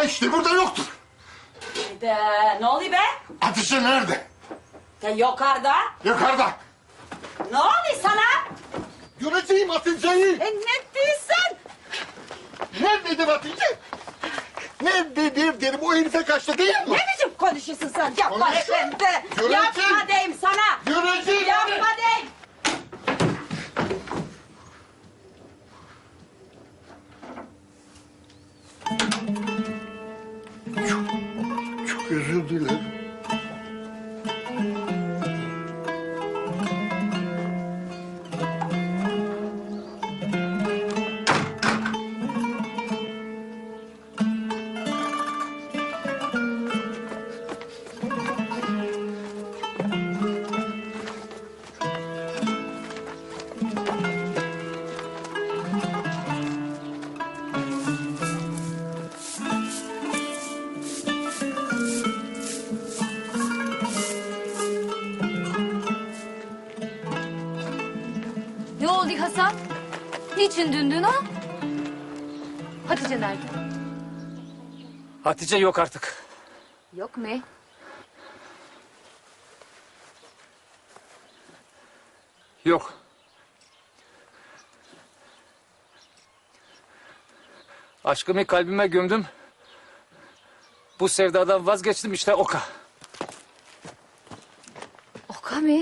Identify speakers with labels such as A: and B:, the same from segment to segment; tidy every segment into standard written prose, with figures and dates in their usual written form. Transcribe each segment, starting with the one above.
A: işte burada yoktur.
B: Ne oluyor be?
A: Hatice nerede?
B: Yukarıda.
A: Yukarıda.
B: Ne oluyor sana?
A: Göreceğim Hatice'yi.
B: Ne diyorsun?
A: Nerededir Hatice? Nerededir derim, o herife kaçtı değil mi?
B: Ne biçim konuşuyorsun sen? Yapma
A: Konuşuyorum.
B: efendi.
A: Göreceğim.
B: Yapma deyim sana.
A: Göreceğim.
B: Yapma deyim.
A: Çok özür dilerim.
C: Ne oldu Hasan? Niçin dündün ha? Hatice nerede?
D: Hatice yok artık.
C: Yok mu?
D: Yok. Aşkımı kalbime gömdüm. Bu sevdadan vazgeçtim işte oka.
C: Oka mı?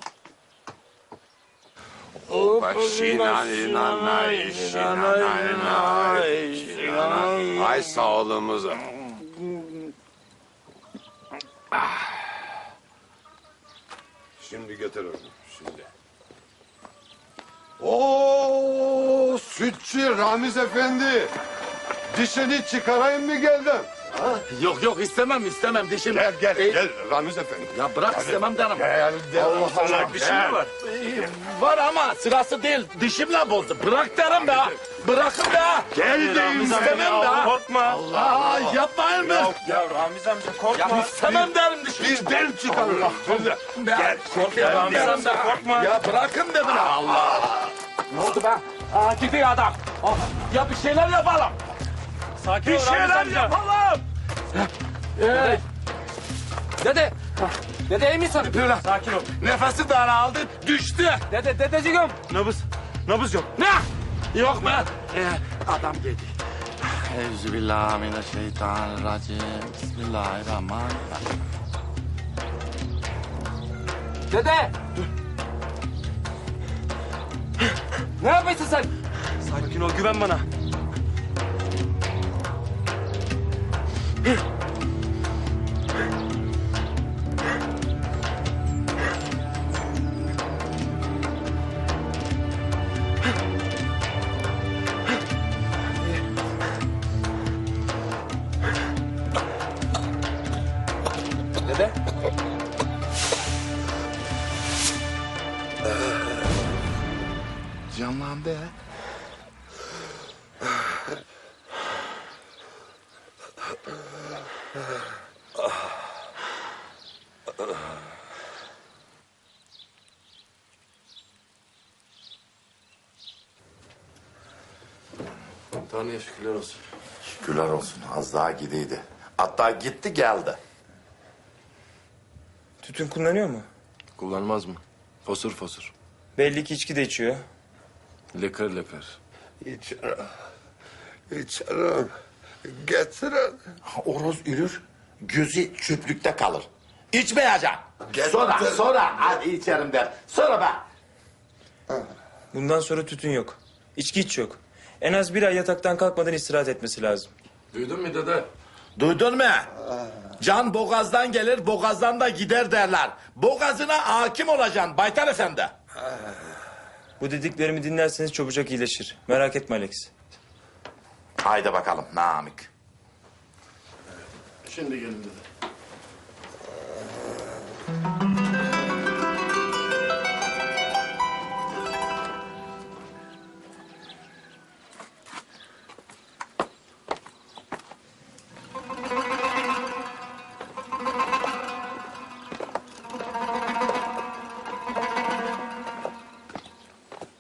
E: Ay sağlığımıza. Şimdi götür onu, şimdi. Oo, sütçü Ramiz Efendi. Dişini çıkarayım mı geldin?
D: Yok yok istemem dişim.
E: Gel Ramiz Efendi.
D: Ya bırak istemem derim.
E: Gel,
D: Allah Allah bir şey mi var? Var ama sırası değil. Dişimle bozdu. Bırak derim be. Bırakın be.
E: Gel deyim
D: İstemem be.
F: Korkma.
D: Allah yapmayın be.
F: Ya Ramiz amca korkma.
D: Ya istemem derim dişimi.
E: Bizden çıkarırız.
D: Gel. Korkuyorum derim be.
F: Korkma.
D: Ya bırakın dedim. Allah. Ne oldu be? Aa, gidiyor adam. Ya bir şeyler yapalım.
F: Sakin
D: Bir
F: ol Ramiz
D: şeyler
F: amca.
D: yapalım. Dede. Dede iyi misin?
F: Sakin ol.
D: Nefesi daraldı, düştü. Dedeciğim.
F: Nabız yok.
D: Ne? Yok be. Adam geldi.
G: Euzubillahimineşşeytanirracim. Bismillahirrahmanirrahim.
D: Dede. Ne yapıyorsun sen?
F: Sakin ol güven bana.
D: Dede.
G: Canlandı ha.
D: Tanrı'ya şükürler olsun.
G: Şükürler olsun, az daha gidiydi. Hatta gitti geldi.
F: Tütün kullanıyor mu?
E: Kullanmaz mı? Fosur fosur.
F: Belli ki içki de içiyor.
E: Lekır lekır.
A: İçerim. İçerim. Getirin.
G: Oroz ürür, gözü çöplükte kalır. İçmeyeceğim. Sonra hadi içerim der. Sonra ben.
F: Bundan sonra tütün yok. İçki hiç yok. En az bir ay yataktan kalkmadan istirahat etmesi lazım.
D: Duydun mu dede?
G: Duydun mu? Can boğazdan gelir, boğazdan da gider derler. Boğazına hakim olacaksın Baytar Efendi.
F: Bu dediklerimi dinlerseniz çabucak iyileşir. Merak etme Alex.
G: Haydi bakalım Namık.
A: Şimdi gelin dedi.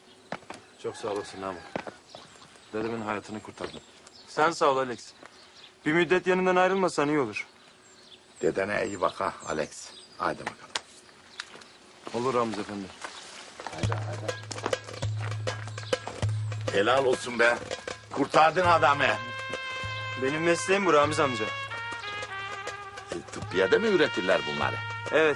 E: Çok sağ olasın Namık. Dedemin hayatını kurtardın.
F: Sen sağ ol Alex. Bir müddet yanından ayrılmasan iyi olur.
G: Dedene iyi bak ha Alex. Haydi bakalım.
E: Olur Ramiz Efendi.
G: Helal olsun be. Kurtardın adamı.
F: Benim mesleğim bu Ramiz amca.
G: Tıbbiyede mi üretirler bunları?
F: Evet.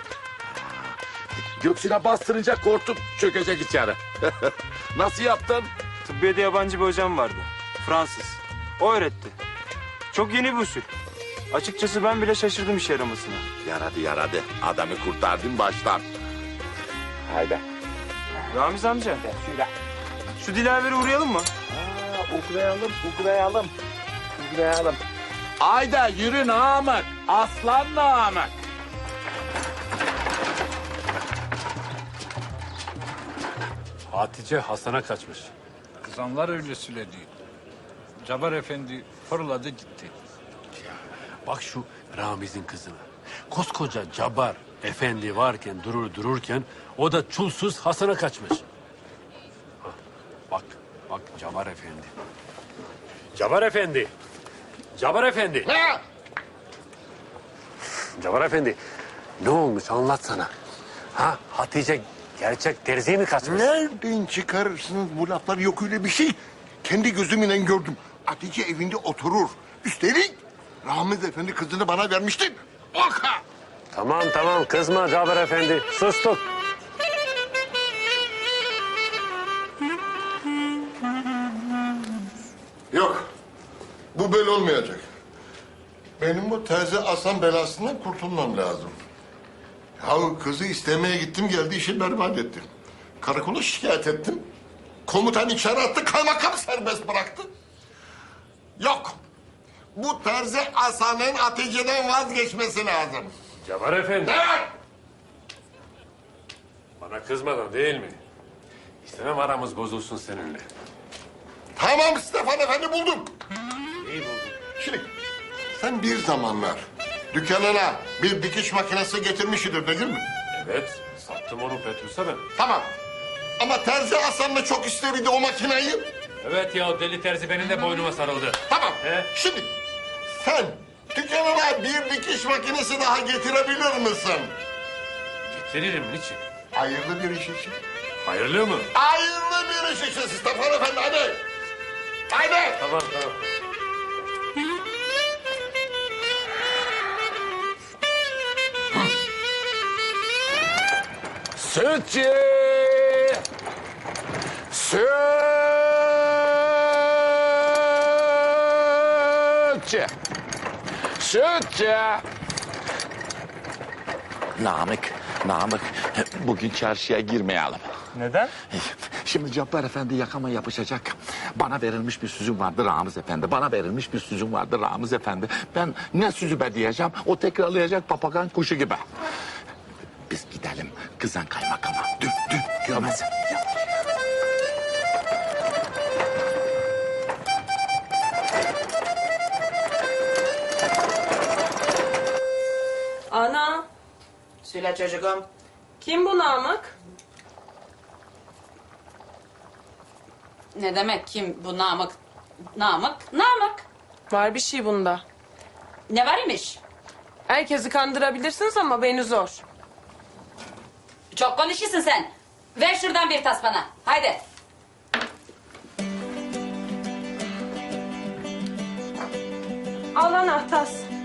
G: Göksüne bastırınca korktum çökecek içeri. Nasıl yaptın?
F: Tıbbiyede yabancı bir hocam vardı. Fransız. O öğretti. Çok yeni bir usul. Açıkçası ben bile şaşırdım işe yaramasına.
G: Yaradı. Adamı kurtardın baştan. Haydi.
F: Ramiz amca. Şu Dilaver'e uğrayalım mı?
G: Uğrayalım. Haydi yürü Namık. Aslan Namık.
H: Hatice Hasan'a kaçmış. Kızanlar öyle söyledi. Cabar Efendi fırladı gitti. Bak şu Ramiz'in kızına. Koskoca Cabar Efendi varken dururken o da çulsuz Hasan'a kaçmış. Ha, bak Cabar Efendi. Cabar Efendi. Cabar Efendi.
A: Ha!
H: Cabar Efendi. Ne olmuş anlatsana. Ha Hatice gerçek terziye mi kaçmış?
A: Nereden çıkarırsınız bu lafları? Yok öyle bir şey. Kendi gözümle gördüm. Hatice evinde oturur. Üstelik Ramiz Efendi kızını bana vermişti. Oka!
H: Tamam kızma Cabar Efendi. Sustuk.
A: Yok. Bu böyle olmayacak. Benim bu terzi Hasan belasından kurtulmam lazım. Ya kızı istemeye gittim geldi işi berbat ettim. Karakola şikayet ettim. Komutan içeri attı, kaymakam serbest bıraktı. Yok. Bu terzi Hasan'ın Hatice'den vazgeçmesi lazım.
H: Cabar Efendi.
A: Evet.
H: Bana kızmadan değil mi? İstemem aramız bozulsun seninle.
A: Tamam Stefan Efendi buldum.
H: İyi buldun.
A: Şimdi sen bir zamanlar dükkanına bir dikiş makinesi getirmişidir değil mi?
H: Evet, sattım onu Petrus'a ben.
A: Tamam. Ama terzi Hasan da çok isterdi o makineyi.
H: Evet ya, o deli terzi benim de boynuma sarıldı.
A: Tamam.
H: He?
A: Şimdi sen dükkanına bir dikiş makinesi daha getirebilir misin?
H: Getiririm, niçin?
A: Hayırlı bir iş için.
H: Hayırlı mı?
A: Hayırlı bir iş için Stefan Efendi hadi. Hadi.
H: Tamam.
G: Sütçü! Sütçü! Namık, bugün çarşıya girmeyelim.
F: Neden?
G: Şimdi Cabbar Efendi yakama yapışacak. Bana verilmiş bir sözüm vardı Ramiz Efendi. Ramiz Efendi. Ben ne sözü be diyeceğim, o tekrarlayacak papagan kuşu gibi. Biz gidelim kızan kaymakama. Dün görmezsin.
I: Ana,
B: Söyle çocuğum.
I: kim bu Namık?
B: Ne demek kim bu Namık? Namık.
I: Var bir şey bunda.
B: Ne var imiş?
I: Herkesi kandırabilirsiniz ama beni zor.
B: Çok konuşuyorsun sen. Ver şuradan bir tas bana. Haydi.
I: Al ana tas.